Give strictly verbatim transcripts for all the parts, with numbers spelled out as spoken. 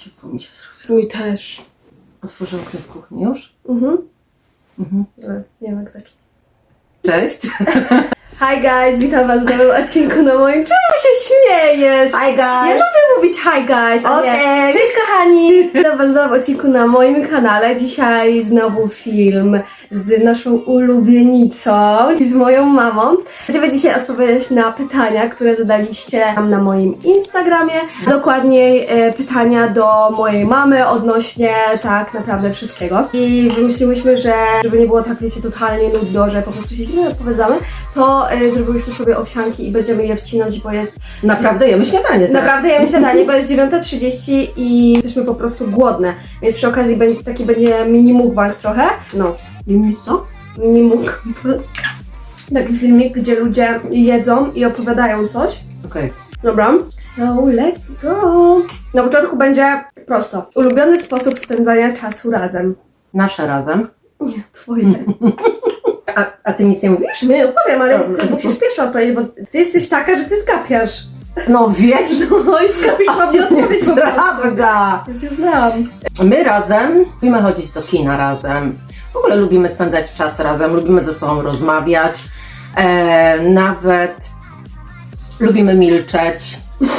ciepło mi się zrobiło. Mi też. Otworzę okno w kuchni już. Mhm. Mhm. Dobra, nie wiem jak zacząć. Cześć. Hi guys, witam was w nowym odcinku na moim... Czemu się śmiejesz? Hi guys. Ja lubię mówić hi guys, a nie Okej. cześć kochani! Witam was w nowym odcinku na moim kanale. Dzisiaj znowu film z naszą ulubienicą i z moją mamą. Będziemy dzisiaj odpowiadać na pytania, które zadaliście nam na moim Instagramie. Dokładniej e, pytania do mojej mamy odnośnie tak naprawdę wszystkiego. I wymyśliłyśmy, że żeby nie było tak, wiecie, totalnie nudno, że po prostu siedzimy i odpowiadamy, to e, zrobiłyśmy sobie owsianki i będziemy je wcinać, bo jest... Naprawdę jemy śniadanie teraz. Naprawdę jemy śniadanie, bo jest dziewiąta trzydzieści i jesteśmy po prostu głodne. Więc przy okazji będzie taki będzie mini mukbang trochę. No, I co? mini mukbang. Taki filmik, gdzie ludzie jedzą i opowiadają coś. Okej. Okay. Dobra. So, let's go! Na początku będzie prosto. Ulubiony sposób spędzania czasu razem. Nasze razem. Nie, twoje. A, a ty nic nie mówisz? Nie opowiem, ale Dobra. ty musisz pierwsza odpowiedzieć, bo ty jesteś taka, że ty skapiasz. No wiesz, No i skapisz ładnie odpowiedź po prostu. prawda. Ja cię znam. My razem lubimy chodzić do kina razem. W ogóle lubimy spędzać czas razem, lubimy ze sobą rozmawiać. E, nawet lubimy milczeć.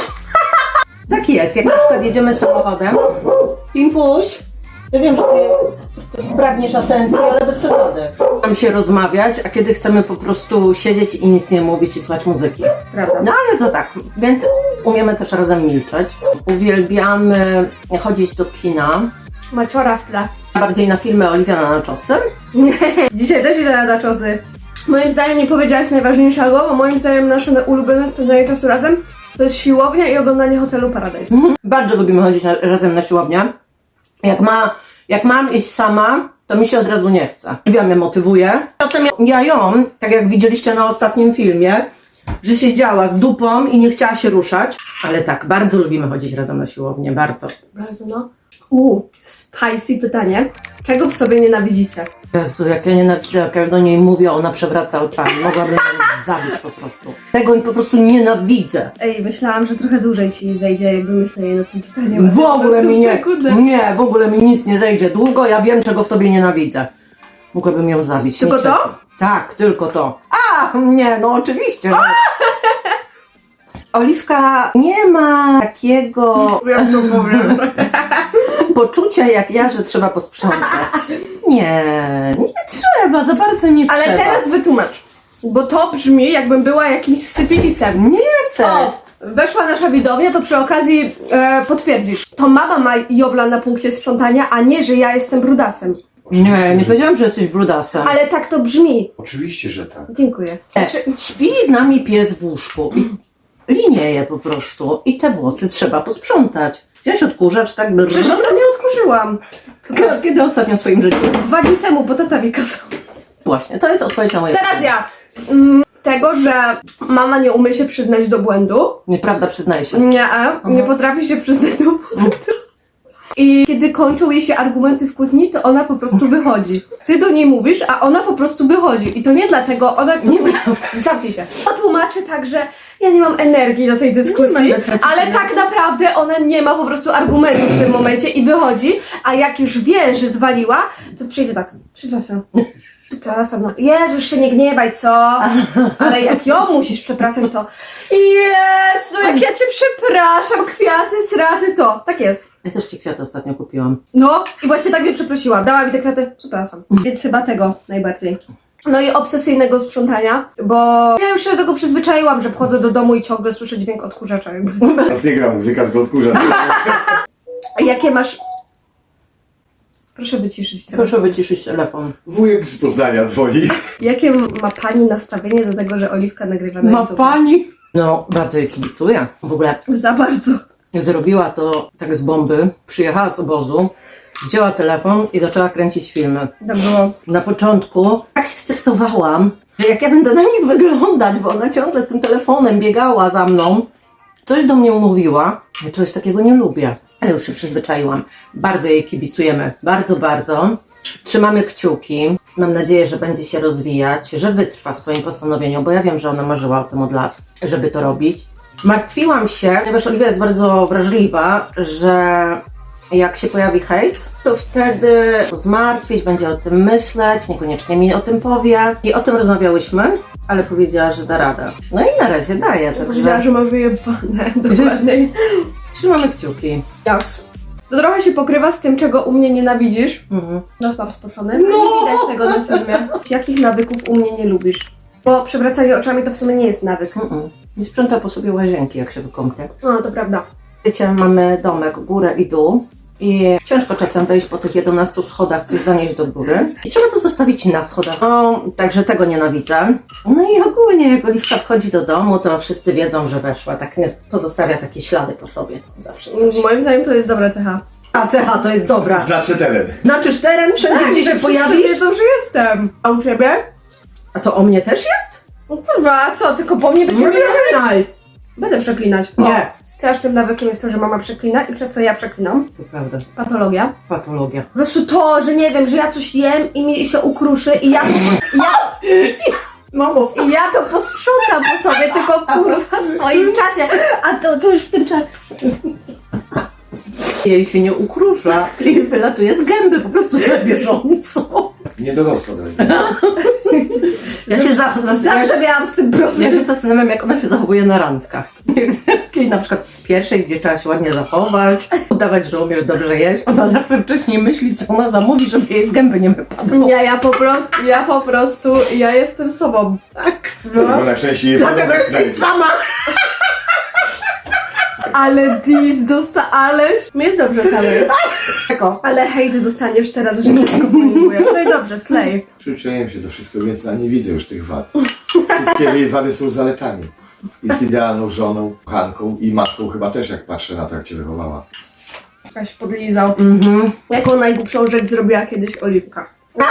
Tak jest, jak na przykład jedziemy samochodem. Pimpuś, ja wiem, że ty pragniesz atencji, ale bez przesady. Mamy się rozmawiać, a kiedy chcemy po prostu siedzieć i nic nie mówić i słuchać muzyki. Prawda. No ale to tak, więc umiemy też razem milczeć. Uwielbiamy chodzić do kina. Maciora w tle. Bardziej na filmy Oliwia na Naczosy. Dzisiaj też idę na czosy. Moim zdaniem nie powiedziałaś najważniejszego, bo moim zdaniem nasze ulubione spędzanie czasu razem to jest siłownia i oglądanie Hotelu Paradise. Mhm. Bardzo lubimy chodzić na, razem na siłownię. Jak, ma, jak mam iść sama, to mi się od razu nie chce. Oliwia mnie motywuje. Czasem ja ją, tak jak widzieliście na ostatnim filmie, że siedziała z dupą i nie chciała się ruszać. Ale tak, bardzo lubimy chodzić razem na siłownię, bardzo. Bardzo no. Uuu, spicy pytanie. Czego w sobie nienawidzicie? Jezu, jak ja nienawidzę, jak ja do niej mówię, ona przewraca oczami. Mogłabym ją zabić po prostu. Tego po prostu nienawidzę. Ej, myślałam, że trochę dłużej ci zejdzie, jakby myśleli nad tym pytaniem. W ogóle mi nie, Sekundę. nie, w ogóle mi nic nie zejdzie długo, ja wiem, czego w tobie nienawidzę. Mogłabym ją zabić. Tylko niczego. to? Tak, tylko to. A, nie, no oczywiście. Że... Oliwka nie ma takiego Ja to powiem. poczucia jak ja, że trzeba posprzątać. Nie, nie trzeba, za bardzo nie Ale trzeba. teraz wytłumacz, bo to brzmi, jakbym była jakimś syfilisem. Nie jesteś. O, weszła nasza widownia, to przy okazji e, potwierdzisz. To mama ma jobla na punkcie sprzątania, a nie, że ja jestem brudasem. Nie, nie powiedziałam, że jesteś brudasem. Ale tak to brzmi. Oczywiście, że tak. Dziękuję. Nie, Czy, śpi z nami pies w łóżku i linieje po prostu i te włosy trzeba posprzątać. Wziąłeś odkurzacz, tak by... przecież ostatnio odkurzyłam. Kiedy, kiedy ostatnio w twoim życiu? Dwa dni temu, bo tata mi kazał. Właśnie, to jest odpowiedź na moje Teraz ja. Mm, tego, że mama nie umie się przyznać do błędu. Nieprawda, przyznaję się. Nie, nie potrafi się przyznać do błędu. I kiedy kończą jej się argumenty w kłótni, to ona po prostu wychodzi. Ty do niej mówisz, a ona po prostu wychodzi. I to nie dlatego, ona... Nie, zamknij się. Tłumaczy tak, że ja nie mam energii do tej dyskusji, będę tracić ale energii. tak naprawdę ona nie ma po prostu argumentów w tym momencie i wychodzi, a jak już wie, że zwaliła, to przyjdzie tak, przepraszam. Przepraszam, no Jezu, się nie gniewaj, co? Ale jak ją musisz przepraszać, to Jezu, jak ja cię przepraszam, kwiaty, sraty, to. Tak jest. Ja też ci kwiaty ostatnio kupiłam. No i właśnie tak mnie przeprosiła, dała mi te kwiaty, przepraszam. Więc chyba tego najbardziej. No i obsesyjnego sprzątania, bo ja już się do tego przyzwyczaiłam, że wchodzę do domu i ciągle słyszę dźwięk odkurzacza jakby. Teraz nie gra muzyka, tylko odkurzacz. Jakie masz... Proszę wyciszyć telefon. Proszę wyciszyć telefon. Wujek z Poznania dzwoni. Jakie ma pani nastawienie do tego, że Oliwka nagrywa na Ma YouTube? pani? No, bardzo jej kibicuję. W ogóle Za bardzo. zrobiła to tak z bomby, przyjechała z obozu, wzięła telefon i zaczęła kręcić filmy. Tak było. Na początku tak się stresowałam, że jak ja będę na nich wyglądać, bo ona ciągle z tym telefonem biegała za mną, coś do mnie mówiła. Ja czegoś takiego nie lubię, ale już się przyzwyczaiłam. Bardzo jej kibicujemy, bardzo, bardzo. Trzymamy kciuki. Mam nadzieję, że będzie się rozwijać, że wytrwa w swoim postanowieniu, bo ja wiem, że ona marzyła o tym od lat, żeby to robić. Martwiłam się, ponieważ Oliwia jest bardzo wrażliwa, że jak się pojawi hejt, to wtedy zmartwić, będzie o tym myśleć, niekoniecznie mi o tym powie. I o tym rozmawiałyśmy, ale powiedziała, że da radę. No i na razie daje, Powiedziała, także że ma wyjebane, dokładniej. trzymamy kciuki. Jas. To trochę się pokrywa z tym, czego u mnie nienawidzisz. Mhm. Nos mam spocony. No. Nie widać tego na filmie. Jakich nawyków u mnie nie lubisz? Bo przewracanie oczami to w sumie nie jest nawyk. Mm-mm. Nie sprząta po sobie łazienki, jak się wykąpie. No, to prawda. Wiecie, mamy domek, górę i dół. I ciężko czasem wejść po tych jedenastu schodach, coś zanieść do góry. I trzeba to zostawić na schodach. No, także tego nienawidzę. No i ogólnie, jak Oliwka wchodzi do domu, to wszyscy wiedzą, że weszła. Tak nie pozostawia takie ślady po sobie. Tam zawsze coś. Moim zdaniem to jest dobra cecha. A cecha to jest dobra. Znaczy teren. Znaczysz teren wszędzie, gdzie się wszyscy pojawisz? wiedzą, że jestem. A u ciebie? A to o mnie też jest? No kurwa, co? Tylko po mnie będzie Nie przeklinaj. Będę przeklinać. Nie. O, strasznym nawykiem jest to, że mama przeklina i przez co ja przeklinam. To prawda. Patologia. Patologia. Po prostu to, że nie wiem, że ja coś jem i mi się ukruszy i ja to, ja, Mamo, i ja to posprzątam po sobie, tylko kurwa w swoim czasie. A to, to już w tym czasie. jej się nie ukrusza i wylatuje z gęby po prostu na bieżąco. Nie dorosła do tego. Ja się za, za, Zawsze miałam z tym Ja problem. się zastanawiam, jak ona się zachowuje na randkach. Kiedy na przykład pierwszej, gdzie trzeba się ładnie zachować, udawać, że umiesz dobrze jeść, ona zawsze wcześniej myśli, co ona zamówi, żeby jej z gęby nie wypadło. Ja, ja po prostu, ja po prostu, ja jestem sobą. Tak. No. Bo najczęściej Dlatego padł na jesteś sama. Ale dis dosta, ale... Mi jest dobrze samej. Tako. Ale hejt dostaniesz teraz, że wszystko pojmujesz. No i dobrze, slay. Przyczyniłem się do wszystkiego, więc ja nie widzę już tych wad. Wszystkie jej wady są zaletami. Jest idealną żoną, kochanką i matką chyba też, jak patrzę na to, jak cię wychowała. Jakaś podlizał. Mhm. Jaką najgłupszą rzecz zrobiła kiedyś Oliwka?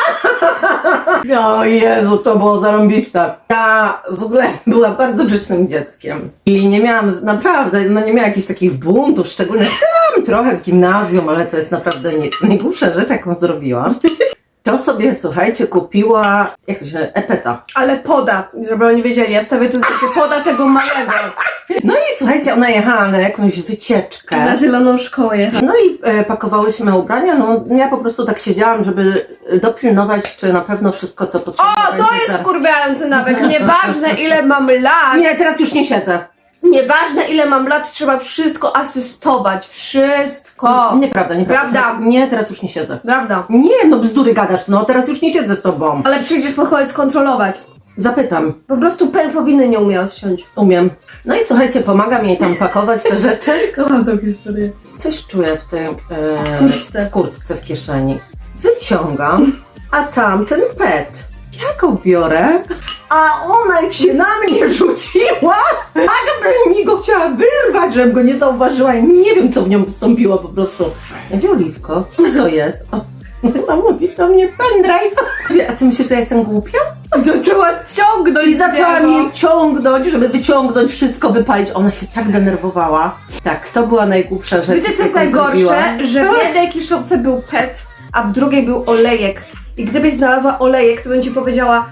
O Jezu, to było zarąbiste. Ja w ogóle byłam bardzo grzecznym dzieckiem i nie miałam, naprawdę, no nie miałam jakichś takich buntów, szczególnie tam trochę w gimnazjum, ale to jest naprawdę nic. Najgłupsza rzecz, jaką zrobiłam, to sobie, słuchajcie, kupiła, jak to się nazywa, epeta. Ale poda, żeby oni wiedzieli, ja stawię tu zdjęcie poda tego małego. No i słuchajcie, ona jechała na jakąś wycieczkę. Na zieloną szkołę jechał. No i e, pakowałyśmy ubrania, no ja po prostu tak siedziałam, żeby dopilnować, czy na pewno wszystko, co potrzebne O, to będzie jest zaraz. wkurwiający nawyk. Nieważne ile mam lat, Nie, teraz już nie siedzę. nieważne ile mam lat, trzeba wszystko asystować. Wszystko. Nieprawda, nieprawda. Prawda. Teraz, nie, teraz już nie siedzę. Prawda. Nie, no bzdury gadasz, no teraz już nie siedzę z tobą. Ale przyjdziesz po choć skontrolować. Zapytam, Po prostu pen powinny nie umie odciąć. umiem. No i słuchajcie, pomagam jej tam pakować te rzeczy. Kocham tą historię. Coś czuję w tej e, W kurtce. w kurtce w kieszeni. Wyciągam, a tam ten pet. Ja go biorę, a ona jak się na mnie rzuciła, jakby mi go chciała wyrwać, żebym go nie zauważyła i nie wiem, co w nią wystąpiło po prostu. Gdzie Oliwko? Co to jest? O, ona mówi do mnie pendrive. A ty myślisz, że ja jestem głupia? I zaczęła ciągnąć. I zaczęła z niego. mnie ciągnąć, żeby wyciągnąć wszystko, wypalić. Ona się tak denerwowała. Tak, to była najgłupsza rzecz. Wiecie co jest jaką najgorsze? zrobiłam. Że w jednej kiszonce był pet, a w drugiej był olejek. I gdybyś znalazła olejek, to bym ci powiedziała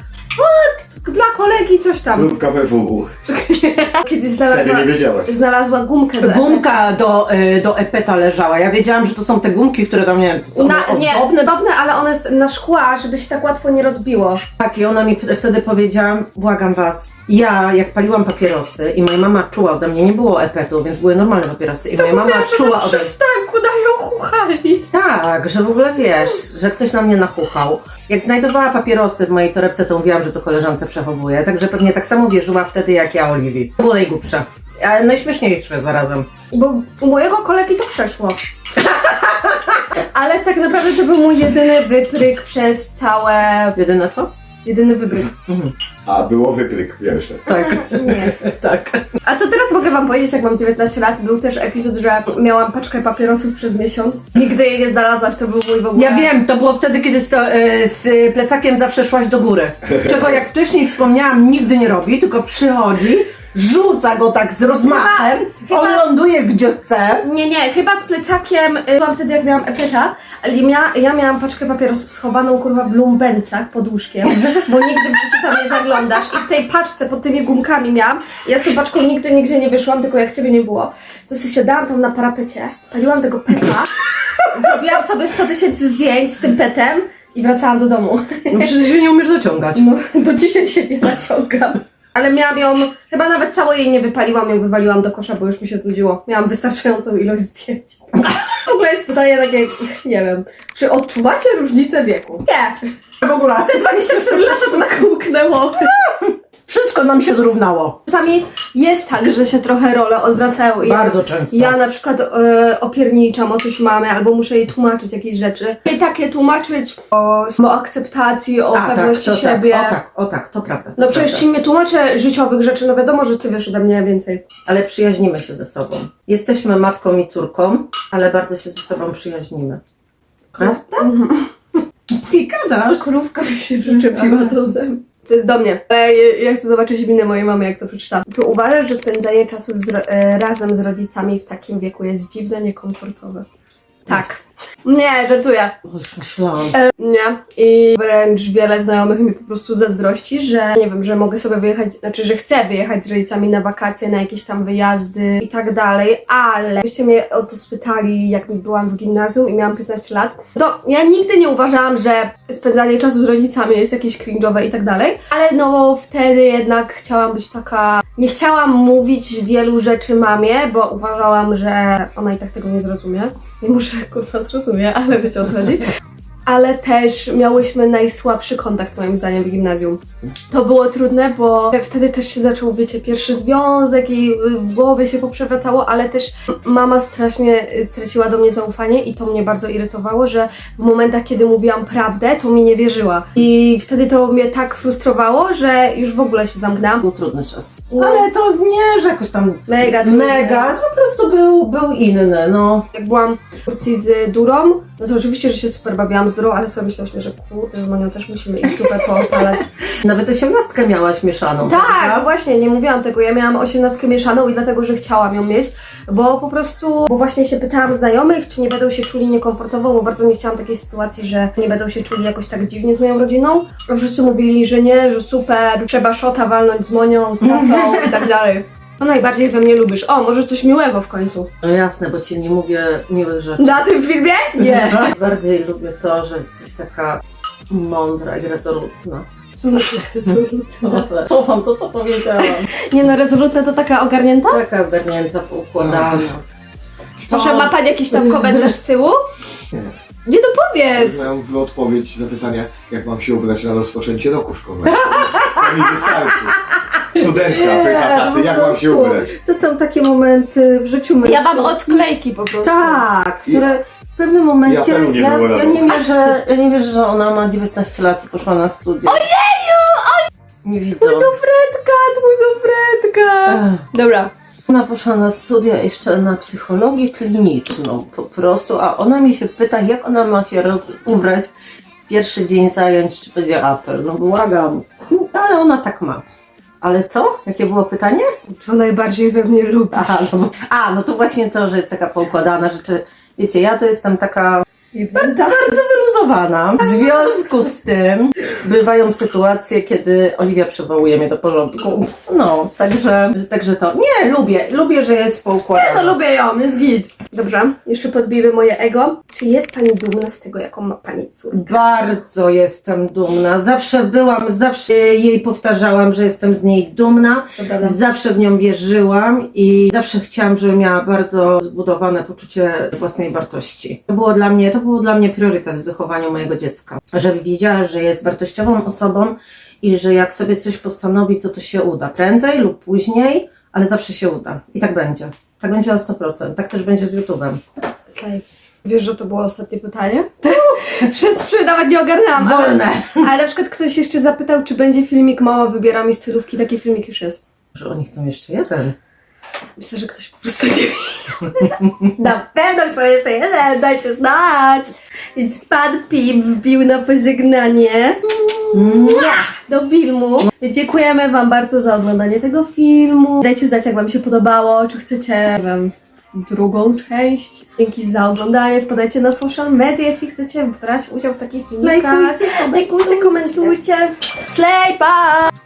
o, dla kolegi coś tam. Grupka B W W. Kiedyś Wtedy znalazła, nie wiedziałaś. znalazła gumkę do Gumka do, y, do epeta leżała. Ja wiedziałam, że to są te gumki, które tam, nie wiem, są na, nie, ozdobne. ozdobne, ale one s- na szkła, żeby się tak łatwo nie rozbiło. Tak, i ona mi p- wtedy powiedziała, błagam was, ja jak paliłam papierosy i moja mama czuła ode mnie, nie było epetu, więc były normalne papierosy i moja mama czuła ode mnie. przystanku na nią chuchali. Tak, że w ogóle wiesz, że ktoś na mnie nachuchał. Jak znajdowała papierosy w mojej torebce, to mówiłam, że to koleżance przechowuje, także pewnie tak samo wierzyła wtedy jak ja Oliwii. To było najgłupsze, ale najśmieszniejsze zarazem. Bo u mojego kolegi to przeszło. Ale tak naprawdę to był mój jedyny wypryk przez całe... Jedyne co? Jedyny wypryk. A było wypryk pierwszy. Tak, Nie. tak. A to teraz mogę wam powiedzieć, jak mam dziewiętnaście lat, był też epizod, że miałam paczkę papierosów przez miesiąc. Nigdy jej nie znalazłaś, to był mój w ogóle... Ja wiem, to było wtedy, kiedy z, to, e, z plecakiem zawsze szłaś do góry. Czego jak wcześniej wspomniałam, nigdy nie robi, tylko przychodzi, rzuca go tak z rozmachem, Chyba- on ląduje gdzie chce. Nie, nie, chyba z plecakiem, y, byłam wtedy jak miałam epeta, ale ja, ja miałam paczkę papierosów schowaną kurwa w lumbencach pod łóżkiem, bo nigdy w życiu tam nie zaglądasz i w tej paczce pod tymi gumkami miałam, ja z tą paczką nigdy nigdzie nie wyszłam, tylko jak ciebie nie było, to sobie siadałam tam na parapecie, paliłam tego peta robiłam sobie sto tysięcy zdjęć z tym petem i wracałam do domu. No przecież się nie umiesz zaciągać. No, do dzisiaj się nie zaciągam. Ale miałam ją, chyba nawet całej jej nie wypaliłam, ją wywaliłam do kosza, bo już mi się znudziło. Miałam wystarczającą ilość zdjęć. W ogóle jest pytanie takie, nie wiem, czy odczuwacie różnicę wieku? Nie. W ogóle. Te dwadzieścia cztery lata to tak umknęło. Wszystko nam się zrównało. Czasami jest tak, że się trochę role odwracają i Bardzo często. ja na przykład e, opierniczam o coś mamy, albo muszę jej tłumaczyć jakieś rzeczy. I takie tłumaczyć o, o akceptacji, o A, pewności tak, to siebie. Tak, o tak, o tak, to prawda. To No przecież prawda. ci nie tłumaczę życiowych rzeczy, no wiadomo, że ty wiesz ode mnie więcej. Ale przyjaźnimy się ze sobą. Jesteśmy matką i córką, ale bardzo się ze sobą przyjaźnimy. Prawda? Si gadasz. Krówka mi się przyczepiła do zębu. To jest do mnie. E, Ja chcę zobaczyć minę mojej mamy, jak to przeczytam. Czy uważasz, że spędzanie czasu z, ro- e, razem z rodzicami w takim wieku jest dziwne, niekomfortowe? Tak. Nie, żartuję. O, już myślałam. Nie. I wręcz wiele znajomych mi po prostu zazdrości, że nie wiem, że mogę sobie wyjechać, znaczy, że chcę wyjechać z rodzicami na wakacje, na jakieś tam wyjazdy i tak dalej, ale byście mnie o to spytali, jak byłam w gimnazjum i miałam piętnaście lat, to ja nigdy nie uważałam, że spędzanie czasu z rodzicami jest jakieś cringe'owe i tak dalej, ale no wtedy jednak chciałam być taka, nie chciałam mówić wielu rzeczy mamie, bo uważałam, że ona i tak tego nie zrozumie. Nie muszę kurwa zrozumie, ale wiecie o co chodzi. Ale też miałyśmy najsłabszy kontakt moim zdaniem w gimnazjum. To było trudne, bo wtedy też się zaczął, wiecie, pierwszy związek i w głowie się poprzewracało, ale też mama strasznie straciła do mnie zaufanie i to mnie bardzo irytowało, że w momentach, kiedy mówiłam prawdę, to mi nie wierzyła. I wtedy to mnie tak frustrowało, że już w ogóle się zamknęłam. Był trudny czas. Ale to nie, że jakoś tam Mega trudny. mega, po prostu był, był inny, no. Jak byłam w Turcji z Durą, no to oczywiście, że się super bawiłam z Durą, ale sobie myślałyśmy, że kurde, z Monią też musimy ich dupę poopalać. Nawet osiemnastkę miałaś mieszaną, Tak, prawda? właśnie, nie mówiłam tego. Ja miałam osiemnastkę mieszaną i dlatego, że chciałam ją mieć, bo po prostu, bo właśnie się pytałam znajomych, czy nie będą się czuli niekomfortowo, bo bardzo nie chciałam takiej sytuacji, że nie będą się czuli jakoś tak dziwnie z moją rodziną. A wszyscy mówili, że nie, że super, trzeba szota walnąć z Monią, z tatą i tak dalej. Co najbardziej we mnie lubisz? O, może coś miłego w końcu. No jasne, bo ci nie mówię miłych rzeczy. Na tym filmie? Nie. Bardziej lubię to, że jesteś taka mądra i rezolutna. Co znaczy rezolutna? Cofam to, co powiedziałam. Nie no, rezolutna to taka ogarnięta? Taka ogarnięta, poukładana. Proszę, ma pani jakiś tam komentarz z tyłu? Nie dopowiedz! Miałem w odpowiedź na pytanie, jak mam się ubrać na rozpoczęcie roku szkolnego. To mi wystarczy. Studentka pyta taty, jak mam się ubrać. To są takie momenty w życiu my. Ja mam odklejki po prostu. Tak, które w pewnym momencie. Ja pelu nie ja, było ja rano. nie wierzę, ja nie wierzę, że ona ma dziewiętnaście lat i poszła na studia. Ojeju! Nie widzę. Twój Zofredka, twój Zofredka! Dobra. Ona poszła na studia jeszcze na psychologię kliniczną po prostu, a ona mi się pyta, jak ona ma się roz- ubrać pierwszy dzień zajęć, czy będzie apel. No błagam, ale ona tak ma. Ale co? Jakie było pytanie? Co najbardziej we mnie lubi? Aha, no, a, no to właśnie to, że jest taka poukładana rzeczy. Wiecie, ja to jestem taka bardzo wyluzowana. W związku z tym bywają sytuacje, kiedy Oliwia przywołuje mnie do porządku. No, także, także to. Nie, lubię, lubię, że jest poukładana. Ja to lubię ją, jest git. Dobrze, jeszcze podbijmy moje ego. Czy jest pani dumna z tego, jaką ma pani córkę? Bardzo jestem dumna. Zawsze byłam, zawsze jej powtarzałam, że jestem z niej dumna. To prawda. Zawsze w nią wierzyłam i zawsze chciałam, żeby miała bardzo zbudowane poczucie własnej wartości. To było dla mnie, to był dla mnie priorytet w wychowaniu mojego dziecka. Żeby wiedziała, że jest wartościową osobą i że jak sobie coś postanowi, to to się uda. Prędzej lub później, ale zawsze się uda. I tak będzie. Tak będzie na sto procent. Tak też będzie z YouTube'em. Slay. Wiesz, że to było ostatnie pytanie? Przez trzy nawet nie ogarnęłam. ale- Wolne! Ale na przykład ktoś jeszcze zapytał, czy będzie filmik Mama wybiera mi stylówki. Taki filmik już jest. Że oni chcą jeszcze jeden. Myślę, że ktoś po prostu nie wie. Na pewno chcą jeszcze jeden, dajcie znać. Więc pan Pip wbił na pożegnanie do filmu. Dziękujemy wam bardzo za oglądanie tego filmu. Dajcie znać, jak wam się podobało, czy chcecie, nie wiem, drugą część. Dzięki za oglądanie. Wpadajcie na social media, jeśli chcecie brać udział w takich filmikach. Lajkujcie, Lajkujcie, komentujcie. Slay, pa!